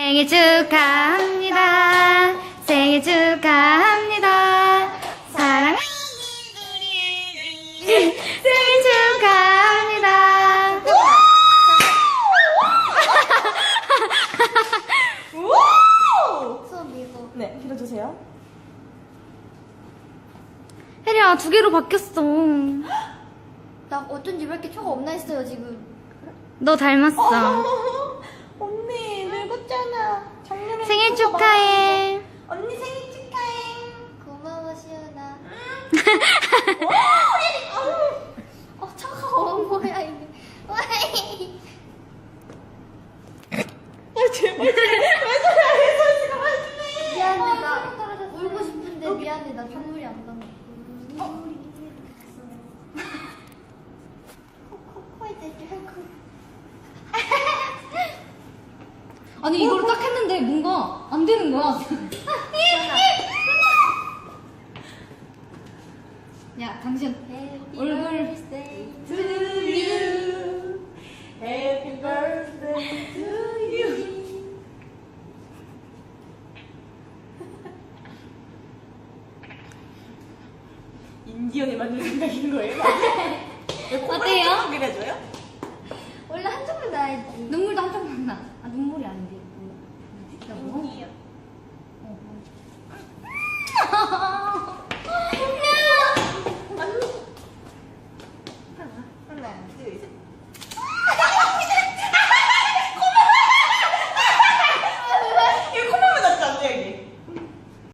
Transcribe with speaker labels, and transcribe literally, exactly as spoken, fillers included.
Speaker 1: 생일 축하합니다. 생일 축하합니다. 사랑하는 우리 생일 축하합니다.
Speaker 2: 손 밀고.
Speaker 3: 네, 빌어주세요.
Speaker 1: 혜리야, 두 개로 바뀌었어.
Speaker 2: 나 어쩐지 왜 이렇게 초가 없나 했어요 지금.
Speaker 1: 너 닮았어.
Speaker 3: 언니, 늙었잖아. 작년에
Speaker 1: 생일
Speaker 3: 그거 막-
Speaker 1: 축하해.
Speaker 3: 언니 생일 축하해.
Speaker 2: 고마워 시연아.
Speaker 3: 오,
Speaker 2: 어 차가워 뭐야 이게. 와이.
Speaker 3: 아, 제발, 제발, 제발,
Speaker 2: 미안해 나 울고 싶은데 미안해 나 눈물이 안 나. 코코코에 대지 말고.
Speaker 1: 아니, 이걸 딱 했는데 뭔가 안 되는 거야. 야, 당신 얼굴.
Speaker 2: birthday
Speaker 3: to you. Happy birthday to you. 인디언이 만든 생각인 거예요?